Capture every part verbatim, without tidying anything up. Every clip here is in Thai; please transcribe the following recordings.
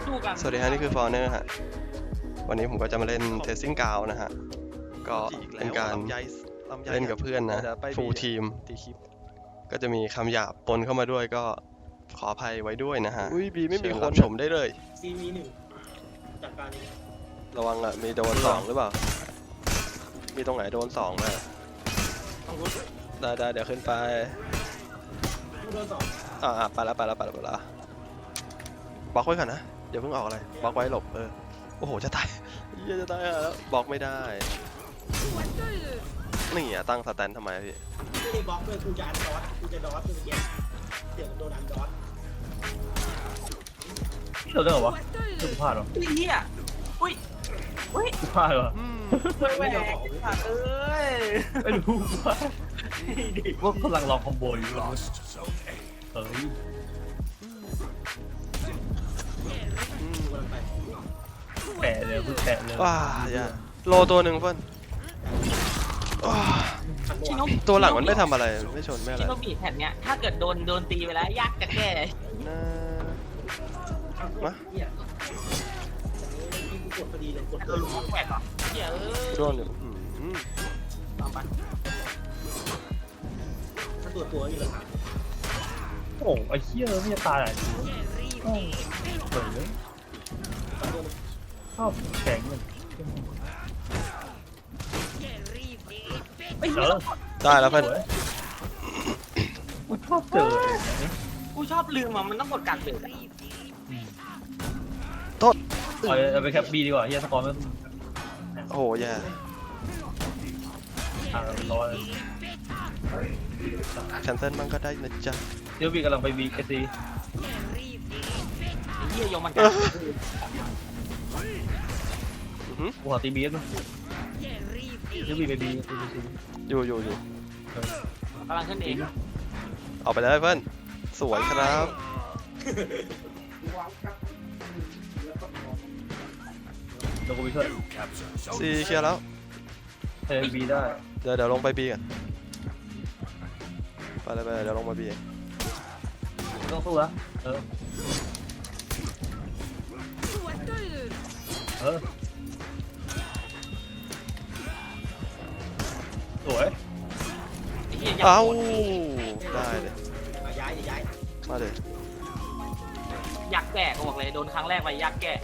สวัสดีฮะนี่คือฟอร์เนอร์ฮะวันนี้ผมก็จะมาเล่นเทสซิ่งกาวนะฮะก็เป็นการเล่นกับเพื่อนนะฟูลทีมก็จะมีคำหยาบปนเข้ามาด้วยก็ขออภัยไว้ด้วยนะฮะอุ้ยบีไม่มีคนชมได้เลยซีมีหนึ่งจัดการเองระวังอ่ะมีโดนสองหรือเปล่ามีตรงไหนโดนสองไหมได้ได้เดี๋ยวขึ้นไปโดนสองอ่าไปแล้วไปแล้วไปแล้วไปแล้วบล็อกไว้ก่อนนะอย่าเพิ่งออกอะไรบล็อกไว้หลบเออโอ้โหจะตายเยี่ยจะตายแล้วบล็อกไม่ได้นี่อ่ะตั้งสแตนทำไมพี่ไม่ได้บล็อกเลยกูจะอันดอสกูจะดอสกูจะแย่เดี๋ยวโดนอันดอสเราได้เหรอวะกูพลาดเหรอไอ้เหี้ยอุ้ยอุ้ยกูพลาดเหรอไม่แหวกเอ้ยไม่รู้ว่าว่ากำลังลองคอมโบอยู่เฮ้ยแปะเลยพึ่งแปะเลยว้าอย่าโลตัวหนึ่งเพื่อนตัวหลังมันไม่ทำอะไรไม่ชนไม่อะไรชิโนบิแผ่นเนี้ยถ้าเกิดโดนโดนตีไปแล้วยากจะแก้นะมากดพอดีเลยกดโดนลูกแหวกเหรอเหี้ยเออโดนอยู่ต่อไปถ้าตัวตัวอยู่แล้วโอ้ไอ้เหี้ยไม่จะตายอ่ะโอ้เปิดเลยชอบแข็งเลยไม่เหี้ยได้แล้วเพื่อนกูชอบเจอกูชอบลืมอ่ะมันต้องกดกัดเบรกโทษเอาไปแคปบีดีกว่าเฮียสกอร์ไม่โอ้โหแย่อ่าร้อยแคนเซิลมันก็ได้นะจ๊ะเดี๋ยวบีกำลังไปบีเอซีเหี้ยโยมันกัดกูขอตีบีด้วยเดี๋ยวบีไปบีอยู่อยู่อยู่กำลังขึ้นเองเอาไปเลยเพื่อนสวยครับเดี๋ยวกูไปช่วยซีเคลียร์แล้วเฮ้ยบีได้เดี๋ยวเดี๋ยวลงไปบีกันไปเลยไปเดี๋ยวลงมาบีต้องสู้ละเออเออสวยเอ้าได้เลยย้ายย้ายมาเลยยักแก่ก็บอกเลยโดนครั้งแรกไปยักแก่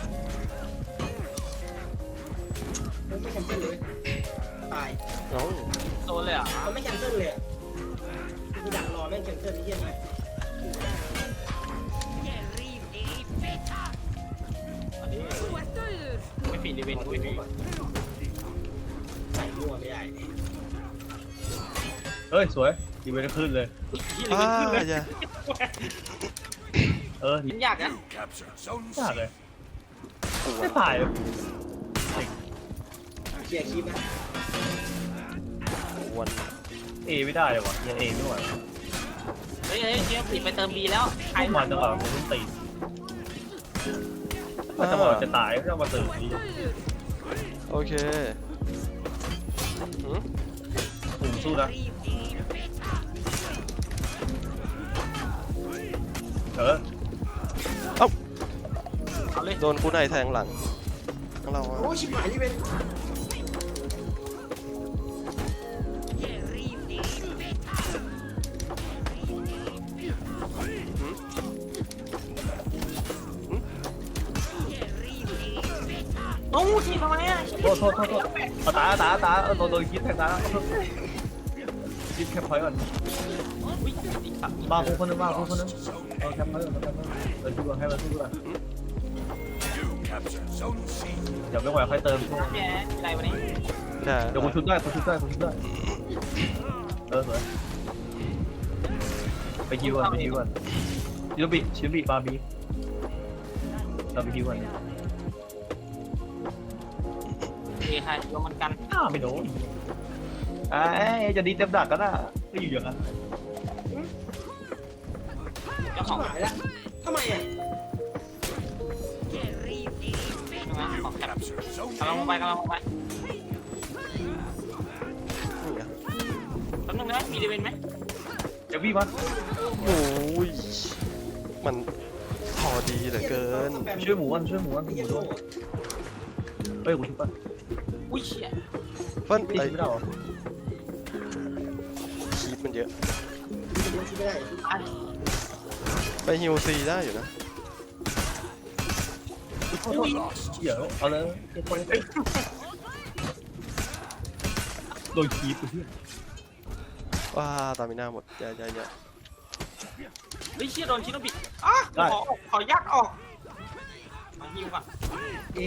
ไม่แคนเซิลเลยตายโดนเลยอ่ะมันไม่แคนเซิลเลยกูดักรอแม่งแคนเซิลนี่ยังไงไม่ปิดดีเวนกูไม่ปิดใส่มั่วไม่ได้เฮ้ยสวยดีเวนขึ้นเลยอ่าอย่าเออมันยากนะยากเลยไม่ตายเคลียร์คลิปนะวันเอไม่ได้เลยวะยังเอไม่ไหวเฮ้ยเฮ้ยเจี๊ยบติดไปเติมบีแล้วใครมาจังหวะผมต้องตีถ้าจังหวะจะตายก็มาตื่นดีโอเคผมสู้นะเออเอ้าโดนคู่ในแทงหลังเราโอ้ชิบหายนี่เป็นโอ้ทีทำไมอ่ะโทษโทษโทษโทษตาตาตาโดนโดนยิงแทงตายิงแคปพอยต์ก่อนมาคู่คนนึงมาคู่คนนึงเอาแคปพอยต์ก่อนเดินดูก่อนให้มันสู้ก่อนเดี๋ยวไม่ไหวค่อยเติมแกอะไรวะนี่เดี๋ยวคุณชุดได้คุณชุดได้คุณชุดได้เออสวยไปคิวก่อนไปคิวก่อนชิลบิชิลบิบาร์บีเราไปคิวก่อนเอ้ใครโยมันกันอ้าไม่โดนไอ้จะดีเต็มดักก็ได้ก็อยู่อย่างนั้นเจ้าของหายแล้วทำไมอ่ะของแคปกำลังลงไปกำลังลงไปแป๊บนึงนะมีดีเวนไหมเดี๋ยวพี่มันโอ้ยมันถอดีเหลือเกินช่วยหมูกันช่วยหมูกันหไอ้มูเหี้ยโดโง่นเฮ้ยกูชุบป่ะอุ้ยเชี่ยเพิ่นตีไอ้ไม่ได้หรอคีบมันเยอะจะดูชิไม่ได้ไปฮิวซีได้อยู่นะเดี๋ยวเอาเลยโดนคีบไปที่ว้าตามิน่าหมดอย่าอย่าอย่าเฮ้ยเชี่ยโดนชิโนบิอ่ะขอออกขอยักออกมาฮิวก่อนเอง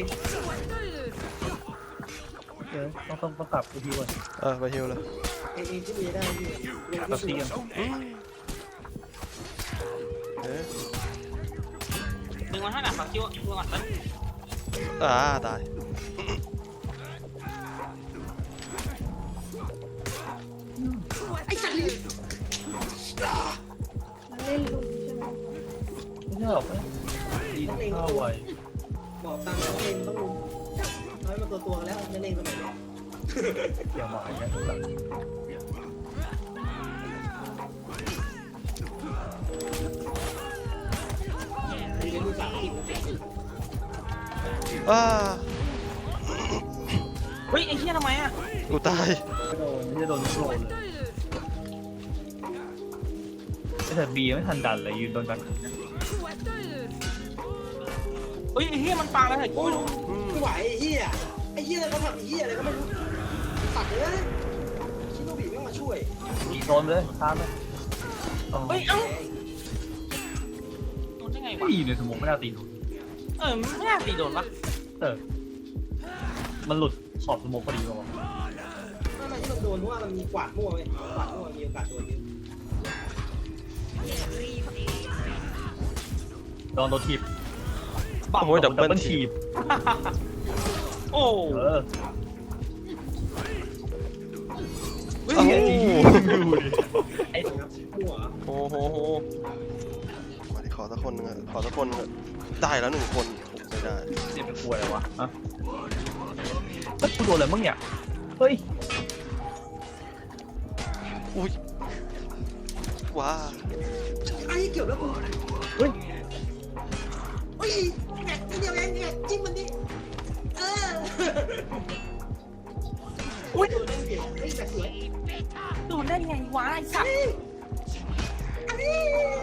เดี๋ยวต้องต้องต้องกลับไปทีก่อนเออไปฮิวเลยเองเองที่มีได้ที่เองกลับที่ทีสุดกันเอ๊ะดึงมาให้หน่อยฝากคิวดูก่อนเลยอ่าตายมันเล่นลุงใช่ไหมไม่ใช่หรอกดีข้าวไวบอกตามแล้วเองต้องรู้น้อยมาตัวตัวแล้วจะเล่นสมัยนี้เกี่ยวหมาอย่างเงี้ยอันนี้เป็นลูกสาวที่ว้าเฮ้ยไอ้เชี่ยทำไมอ่ะกูตายไม่โดนไม่ได้โดนโกรธเลยแต่บีไม่ทันดันเลยยืนโดนกันเฮ้ยไอ้เชี่ยมันปาแล้วเหรอกูไม่รู้ไม่ไหวไอ้เหี้ยไอ้เหี้ยอะไรเขาทำไอ้เหี้ยอะไรก็ไม่รู้ตัดเลยชิโนบิไม่มาช่วยโดนเลยตามเลยเฮ้ยเอ้าโดนได้ไงวะไม่อยู่ในสมองไม่ได้ตีโดนเออไม่น่าตีโดนปะเออมันหลุดขอบสมองพอดีป่าวไม่ไม่ที่มันโดนเพราะว่ามันมีกวาดมั่วไงกวาดมั่วมีโอกาสโดนเยอะโดนโดนทีบโอ้ยดับเบิลทีทีบบโอ้เออเฮ้ยโอ้โหไอ้มั่วโอ้โหโหมาดิขอสักคนหนึงอะขอสักคนเถอะได้แล้วหนึ่งคนโอ้ไม่ได้เนี่ยเป็นกลัวอะไรวะฮะเฮ้ยกูโดนอะไรมั่งเนี่ยเฮ้ยอุ้ยว้าไอ้เกี่ยวแล้วกูเฮ้ยอุ้ยแหกนิดเดียวเองเนี่ยจิ้มมันดิเอออุ้ยโดนเล่นเกี่ยวไอ้แต่สวยโดนได้ไงวะไอ้สัตว์อันนี้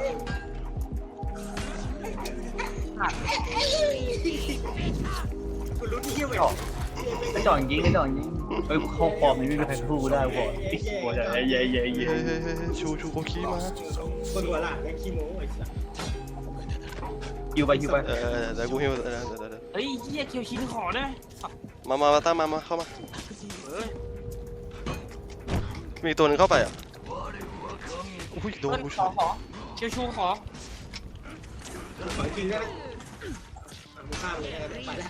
คุณรู้ที่เที่ยวไหมไม่จ่อยิงไม่จ่อยิงเฮ้ยเข้าฟอร์มนี้ไม่มีใครสู้ได้ก่อนกลัวจะเย้เย้เย้เฮ้ยเย้เฮ้ยเฮ้ยเฮ้ยชูชูโคคีมาคนหัวหลานแม่ขี้โม้ไอ้สัสยิวไปยิวไปเออเดี๋ยวกูฮิวเดี๋ยวเดี๋ยวเดี๋ยวเดี๋ยวเฮ้ยเฮียเคียวชินขอได้ไหมมามามาตั้งมามาเข้ามาเฮ้ยมีตัวหนึงเข้าไปอ่ะอุ้ยโดเพื่นอนกูขชูอขอเชียวชูขอขอจริงได้ไหมมึงข้ามเลยไปแล้ว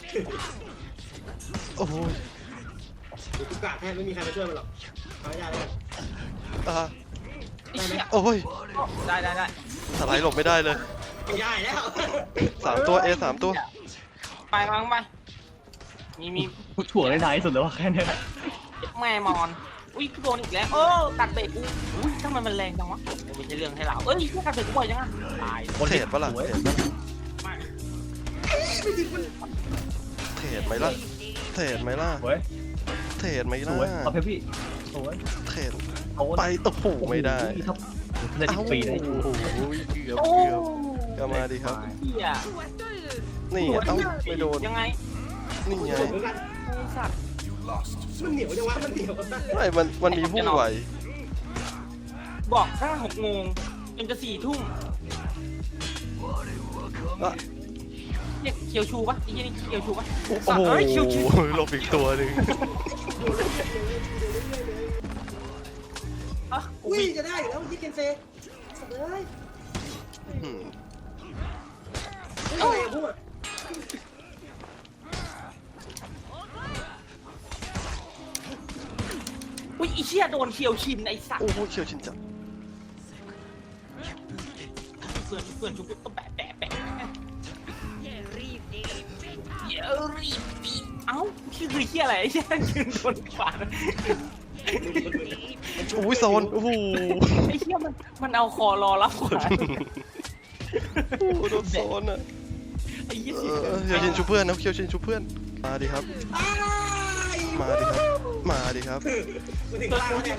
โอ้ยเดี๋ยวกูกาดแทบไม่มีใครมาช่วยมันหรอกเอาไม่ได้แล้วอ่าไอ้เชี่ยโอ้ยได้ได้ได้สไลด์หลบไม่ได้เลยไม่ได้แล้วสามตัว A สามตัวไปวางไปมีมีกูถ่วงได้นานที่สุดแล้วว่าแค่นี้แม่มอนอุ้ยกูโดนอีกแล้วเออตัดเบรกกูอุ้ยทำไมมันแรงจังวะไม่ใช่เรื่องให้เราเอ้ยกูตัดเบรกกูบ่อยจังอะตายเทรดปะล่ะสวยเทรดปะล่ะมากเทรดไหมล่ะเทรดไหมล่ะสวยเทรดไหมสล่ะวยเอาเพพี่สวยเทรดเอาไปโอ้โหไม่ได้ทับได้สิบปีได้โอ้โหเกือบโอ้เกือบก็มาดีครับเฮียนี่อ่ะเอ้าไม่โดนยังไงนี่ไงเหมือนกันไอ้สัตว์มันเหนียวจังวะมันเหนียวไม่มันมันมีผู้ไหวบอกถ้าหกโมงจนจะสี่ทุ่มอ่ะเรียกเคียวชูปะไอ้เหี้ยนี่เคียวชูปะโอ้สัตว์โหเอ้ยเคียวชูหลบอีกตัวหนึ่งอ่ะอุ้ยจะได้อยู่แล้วยี่เกนเซ่สัตว์เลยอืมไม่อะไรพูดอุ้ยไอ้เชี่ยโดนเคียวชินไอ้สัตว์โอ้โหเขียวชินจังเพื่อนเพื่อนชุบก็แปะแปะแปะอย่ารีบดีเอ้าชื่อคือเชี่ยอะไรไอ้เชี่ยยืนคนขวาโอ้ยโซนโอ้โหไอ้เชี่ยมันมันเอาคอรอรับขวาโอ้โหโดนโซนอ่ะไอ้ยี่เอสิบอเคียวชินชูเพื่อนนะเคียวชินชูเพื่อนมาดิครับอ้ายมาดิครับมาดิครับกูถึงล่างแล้วเนี่ย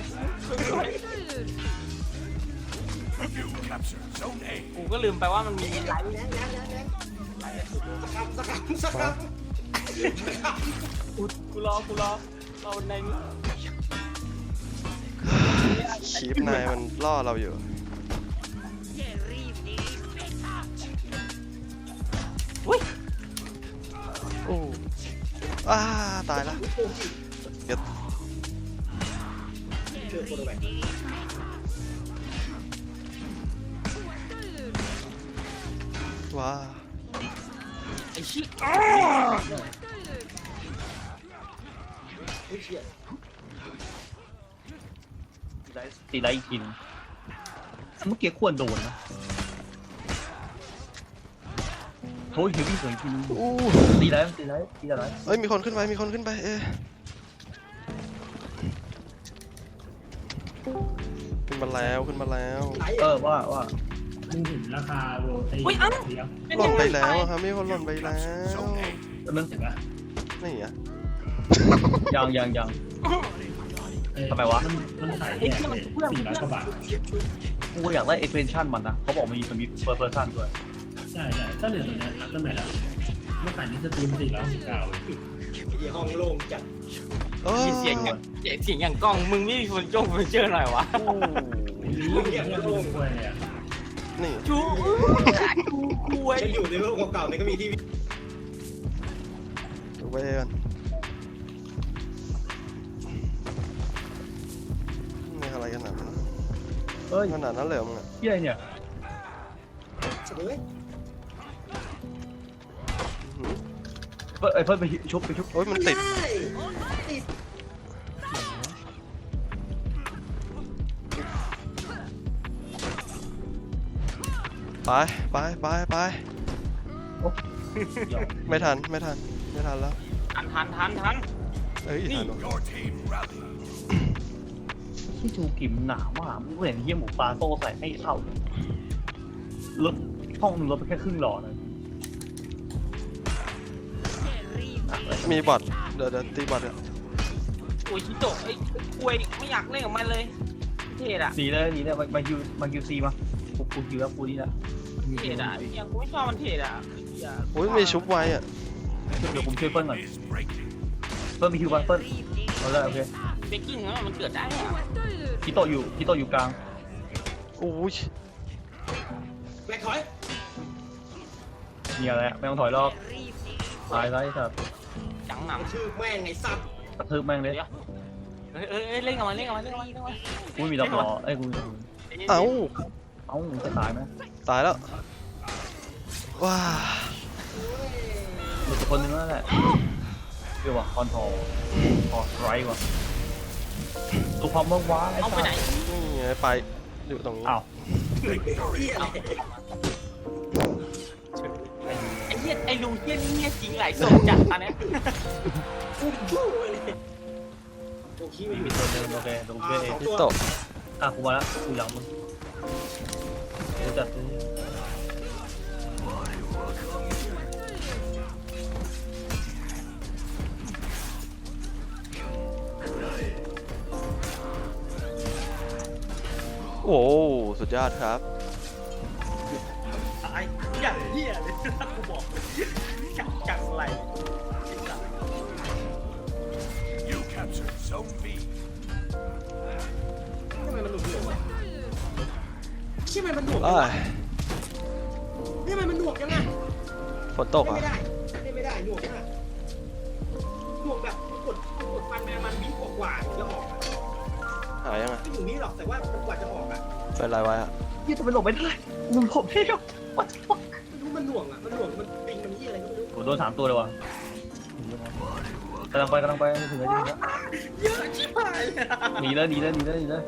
กูก็ลืมไปว่ามันมีไลแรงฟ์แรงแรงแรงสกัดสกัดสกัดสกัดกูกูรอกูรอรอในนี้คีปนายมันล่อเราอยู่อุ้ยโอ้อ้าตายละเก็ตเจอคนเอาไว้ว้าไอ้ชิอุ้ยเชี่ยตีไลท์อีกทีนึงเมื่อกี้ควรโดนนะโอ้ยเฮฟวี่สวยจริงอู้ตีไลท์ตีไลท์ตีไลท์เอ้ยมีคนขึ้นไปมีคนขึ้นไปเอ๊ะขึ้นมาแล้วขึ้นมาแล้วไหลเออว่าว่ามึงเห็นราคาโรตีอุ้ยอ้าวเดียวหล่นไปแล้วอะครับมีคนหล่นไปแล้วมึงเห็นปะนี่อ่ะยังยังยังเอ้ยทำไมวะมันมันขายแยกเลยสี่ร้อยกว่าบาทกูอยากได้ extension มันนะเขาบอกมันมีมันมี per person ด้วยใช่ใช่ถ้าเหลือตัวเนี้ยนับตั้งแต่ละเมื่อขายนี้สตรีมสี่ร้อยสิบเก้าไอ้ห้องโล่งจัดเออเสียงอย่างเสียงอย่างกล้องมึงไม่มีคนจ้องไปเจอหน่อยวะโอ้เงียบโล่งด้วยเลยอ่ะนี่จูจูกูไอ้ฉันอยู่ในโลกเก่าๆนี่ก็มีที่ดูไปกันนี่อะไรกันหนาดนั้นเอ้ยขนาดนั้นเลยเหรอมึงอะเหี้ยเนี่ยเฉยอื้อหือเพิ่นไอ้เพิ่นไปชุบไปชุบโอ้ยมันติดได้ติดไปไปไปไปไม่ทันไม่ทันไม่ทันแล้วทันทันทันทันเอ้ยทันวะที่จูกิมหนามากมึงเห็นเหี้ยหมูปลาโซ่ใส่ไม่เข้าเลยลดช่องหนึงลดไปแค่ครึ่งหลอดเลยมีบอทเดี๋ยวเดี๋ยวตีบอทอ่ะโอ้ยชิโตะไอ้กล้วยไม่อยากเล่นกับมันเลยเทดอะหนีเลยหนีเลยมามาคิวมาคิวซีมากูกูคิวแล้วกูนี่ละเทดอะยังกูไม่ชอบมันเทดอะอย่าโอ้ยมีชุบไว้อ่ะเดี๋ยวผมช่วยเปิ้ลก่อนเปิ้ลมีคิวบ้างเปิ้ลเอาเลยโอเคเบกกิ้งอะมันเกิดได้อะคิโตะอยู่คิโตะอยู่กลางโอ้ยแบกถอยมีอะไรอะไม่ต้องถอยรอบตายแล้วไอ้สัตว์จังหนังชื่อแม่งไอ้สัตว์กระทืบแม่งเลยเอ้ยเอ้ยเอ้ยเล่นกับมันเล่นกับมันเล่นกับมันเล่นกับมันกูไม่มีล็อกล้อเอ้ยกูเอ้าเอ้ามึงจะตายไหมตายแล้วว้าหลุดไปคนนึงแล้วแหละเดี๋ยวว่ะคอนทอลคอสไรว่ะตัวความเมื่อวานเอาไปไหนนี่ไงไปอยู่ตรงนี้อ้าวเหี้ยอะไรไอ้เหี้ยไอ้ลุงเหี้ยนี่เหี้ยจริงหลายศพจัดตอนเนี้ยอุ้มชู้เลยโอ้ขี้ไม่มีตัวนึงโอเคตรงช่วยเองพี่โตะอ่ะกูมาแล้วกูยังมึงเดี๋ยวจัดเลยโอ้สุดยอดครับตายอย่างเหี้ยเลยกูบอกจังจังไรทำไมมันหนุกหนุกวะใช่ไหมมันหนุกอ้ายนี่มันมันหนุกยังไงฝนตกเล่นอ่ะไม่ได้เล่นไม่ได้หนุกมากหนุกแบบกดกดฟันไปมันวิกว่าๆจะออกหายยังไงไม่ถึงนี้หรอกแต่ว่ามันกว่าจะออกอ่ะเป็นไรไว้อ่ะยี่จะไปหลบไม่ได้มึงหลบไม่ได้ What the fuck ไม่รู้มันหน่วงอ่ะมันหน่วงมันปิงมันยี่อะไรก็ไม่รู้โดนสามตัวเลยว่ะกำลังไปกำลังไปถึงแล้วถึงแล้วเยอะชิบหายเลยหนีเลยหนีเลยหนีเลยหนีเลย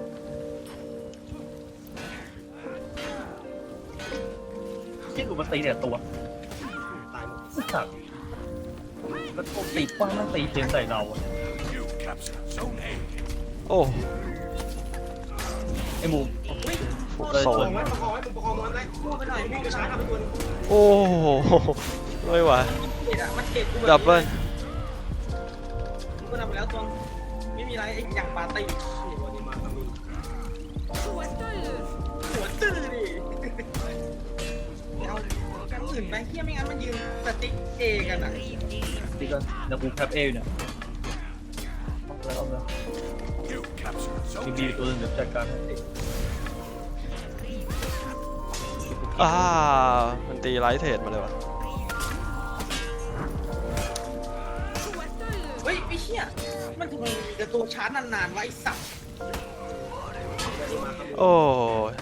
เชี่ยกูมาตีเนี่ยตัวตายหมดสัตว์แล้วตัวตีป้ามันตีเทียนใส่เราอะโอ้ไอ้หมูโซประคองนไว้ประคองไว้มึงประคองมันไว้พูดไปหน่อยพูดไปช้าทำไปตัวนึงโอ้โหไม่ไหวเห็นอะมันเจ็บกูแบบดับเบิ้ลกูทำไปแล้วตัวไม่มีอะไรไอ้อย่างปาร์ตี้นี่วันนี้มาทำอีกหัวตื้อดิเอากันอื่นไปเที่ยไม่งั้นมันยืนสติ๊กเอกันอ่ะตีกันเดี๋ยวกูแคปเออยู่เนี่ยเอาเลยเอาเลยมีบีตัวหนึงเดี๋ยวจัดการให้อ่ามันตีไลท์เทรดมาเลยวะเฮ้ยไอ้เชี่ยมันทำไมมีแต่ตัวชาร์จนานๆวะไอ้สัตว์โอ้ย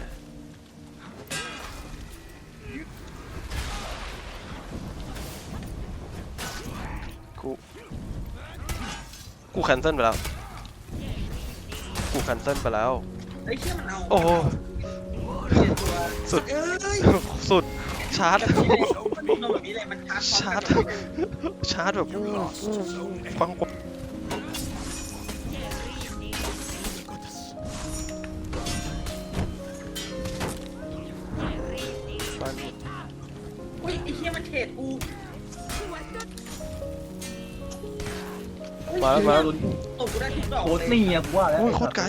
กูกูแคนเซิลไปแล้วกูแคนเซิลไปแล้วไอ้เชี่ยมันเอาโอ้โหเชี่ยตัวสุดเอ้ยสุดชาร์จมันโดนแบบนี้เลยมันชาร์จชาร์จชาร์จแบบฟังกว่าเฮ้ยไอ้เชี่ยมันเทรดกูมาแล้วมาแล้วตบกูได้ทุกดอกโคตรเลยนี่อ่ะกูว่าแล้วโอ้ยโคตรไกล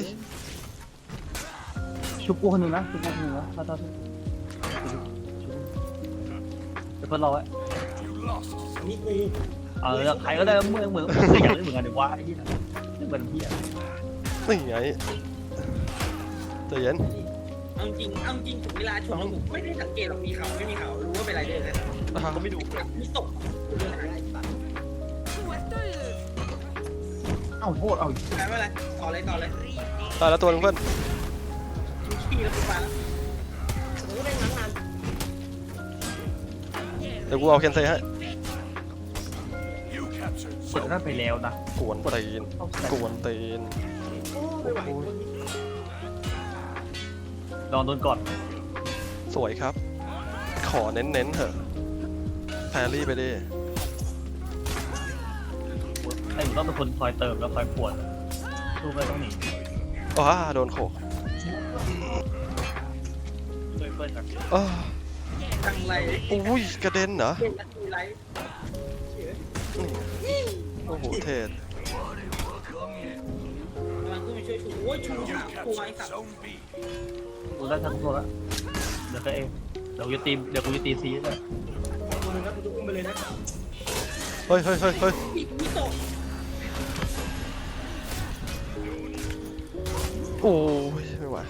ชุบกูคนหนึ่งนะชุบกูคนหนึ่งนะถ้าถ้าเดี๋ยวเพิ่นรอไว้นี่กูเออใครก็ได้เหมือนเหมือนอยากเล่นเหมือนกันเดี๋ยวว่าไอ้ที่นั่นเล่นเหมือนพี่อ่ะนี่ไงใจเย็นเอาจริงเอาจริงถึงเวลาชนแล้วผมไม่ได้สังเกตหรอกมีเขาไม่มีเขารู้ว่าเป็นไรเดอร์เลยอ่าก็ไม่ดูมีตกเอ้าโทษเอาไม่เป็นไรต่อเลยต่อเลยตายแล้วตัวนึงเพื่อนขี้แล้วกูไปแล้วผมก็ได้งานงานเดี๋ยวกูเอาเคนเซให้เปิดนั่นไปแล้วนะกวนตีนกวนตีนโอ้ไม่ไหวลองโดนก่อนสวยครับ ขอเน้นๆเถอะแพรรี่ไปดิไอ้หนูต้องเป็นคนคอยเติมแล้วคอยปวดสู้ไม่ต้องหนีว้าโดนโขกช่วยเพื่อนกันอ้าจังไรอุ้ยกระเด็นเหรอเป็นนาทีไรโอ้โหเทศกำลังขึ้นมาช่วยชูโอ้ยชูสามตัวไอ้สัตว์กูได้ทั้งตัวแล้วเดี๋ยวก็เองเดี๋ยวกูจะตีเดี๋ยวกูจะตีซีเลยคนนึงครับกูจะอุ้มไปเลยนะเฮ้ยเฮ้ยเฮ้ยเฮ้ยมิโตะโอ้ยไม่ไหว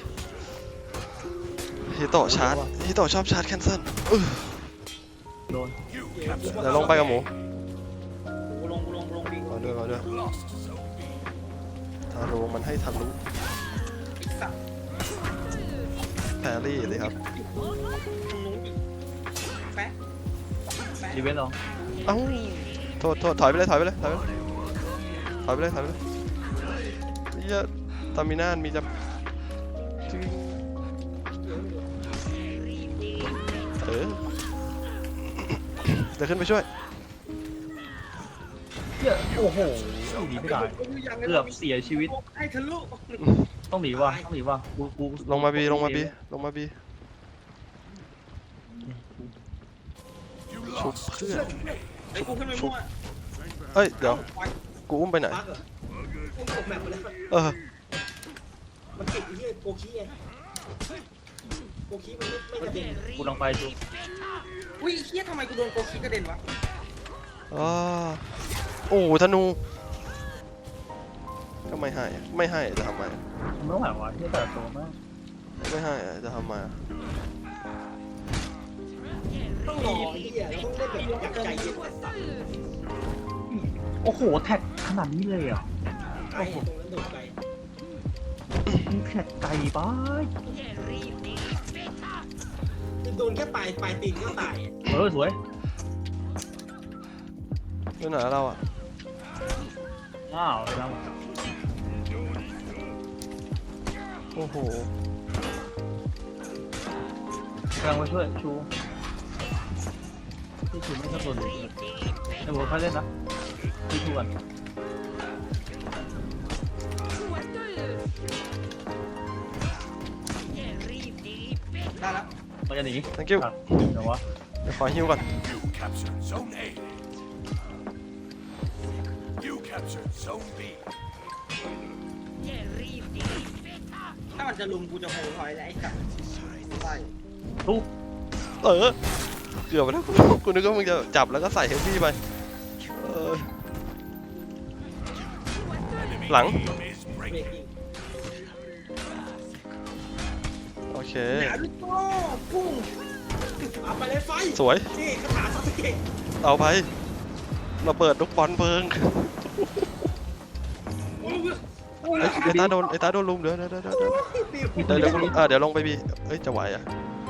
ฮิโตะชาร์จฮิโตะชอบชาร์จแคนเซิลอื้อโดนเดี๋ยวลงไปกับหมูกูลงกูลงกูลงดิเอาด้วยเอาด้วยทารุมันให้ทะลุไอ้สัตว์แพรรี่เลยครับตรงนู้นดิแป๊ะแป๊ะรีเวนต์ลองเอ้าโทษโทษถอยไปเลยถอยไปเลยถอยไปเลยถอยไปเลยถอยไปเลยเฮียตามินานมีจะจึ๊งเออเดี๋ยวขึ้นไปช่วยเหี้ยโอ้โหหนีไม่ได้เกือบเสียชีวิตให้ทะลุต้องหนีว่ะต้องหนีว่ะกูกูลงมาบีลงมาบีลงมาบีชุบเพื่อนไอ้กูขึ้นไปมั่วเอ้ยเดี๋ยวกูอุ้มไปไหนปักเหรออุ้มตกแมปไปแล้วเออมันติดไอ้เหี้ยโกคีไงโกคีมันไม่ไม่กระเด็นกูลองไปดูอุ้ยไอ้เฮียทำไมกูโดนโกคิกระเด็นวะอ๋อโอ้โหธนูก็ไม่ให้อะไม่ให้จะทำไมมันไม่ไหวว่ะที่แต่ตัวมากไม่ให้อะจะทำไมอะต้องรอไอ้เหี้ยเราต้องเล่นแบบอยากใจเย็นโอ้โหแท็กขนาดนี้เลยอ่ะไอ้ตรงนั้นโดดไปมึงแท็กไกลไปโดนแค่ปลายปลายตีนก็ตายเออสวยไปไหนเราอ่ะอ้าวไปแล้วโอ้โหกำลังไปช่วยชูที่ชูไม่ชอบโดนเลยไอ้บัวเขาเล่นนะที่ชูกันได้แล้วมันจะหนี thank you อ่ะเดี๋ยววะเดี๋ยวขอฮิวก่อน You captured Zone A. You captured Zone B. ถ้ามันจะลุมกูจะโหถอยแล้วไอ้สัตว์ใช่ทุบเออเกือบไปแล้วกูนึกว่ามึงจะจับแล้วก็ใส่เฮฟวี่ไปเออหลัง Team is เบรก breaking. ยิงโอเคนารุโต้พุ่งเอาไปเลยไฟสวยนี่คาถาซาสึเกะเอาไปเราเปิดลูกบอลเพิงไอ้ไอ้ตาโดนไอ้ตาโดนลุมเดี๋ยวเดี๋ยวเดี๋ยวเดี๋ยวเดี๋ยวเดี๋ยวเดี๋ยวกูอ่ะเดี๋ยวลงไปบีเอ้ยจะไหวอ่ะ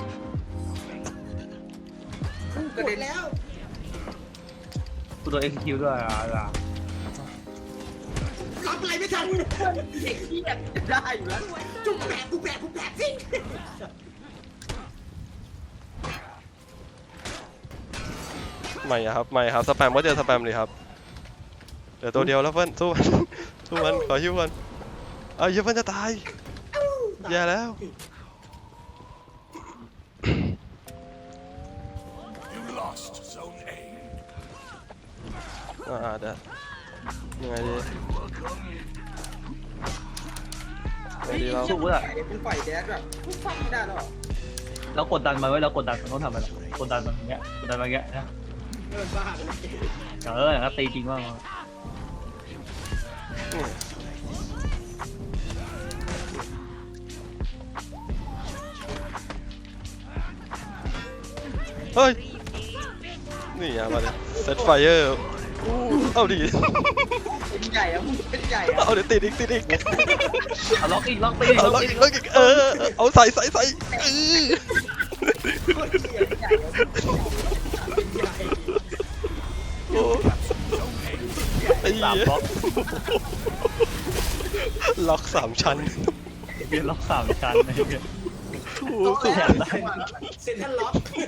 กระเด็นแล้วกูโดนเอ็กซ์คิวด้วยอ่ะอ่ะรับอะไรไม่ทันเด็กที่อยากจะได้อยู่แล้วจุกแบกกูแบกกูแบกสิไม่อะครับไม่ครับสแปมก็เจอสแปมเลยครับเดี๋ยวตัวเดียวแล้วเพื่อนสู้มัน สู้มันขอฮิวก่อนเอาเหี้ยเพื่อนจะตายแย่แล้ว You lost Zone A. อ่าเดี๋ยวยังไงดียังไงดีเราสู้อ่ะเป็นฝ่ายแดดแบบฟังไม่ได้หรอกแล้วกดดันมันไว้แล้วกดดันมันต้องทำอะไรกดดันมันอย่างเงี้ยกดดันมันอย่างเงี้ยนะเออบ้าไปเลยเอออย่างนั้นตีจริงมากนี่เฮ้ยนี่อย่ามาเลยเซตไฟเออร์เอาดิเป็นใหญ่อะมึงเป็นใหญ่อะเอาเดี๋ยวติดอีกติดอีกเอาล็อกอีกล็อกตีเอาล็ล็ออกกอีอีกกล็อกอีกเออเอาใส่ใส่ใส่เออโคตรเหี้ยใหญ่อะเป็นใหญ่โอ้ไอ้สามเหี้ยล็อกล็อกสามชั้นเบียร์ล็อกสามชั้นไอ้เงี้ยโอ้ต้องสุดแล้วเซ็นทรัลล็อก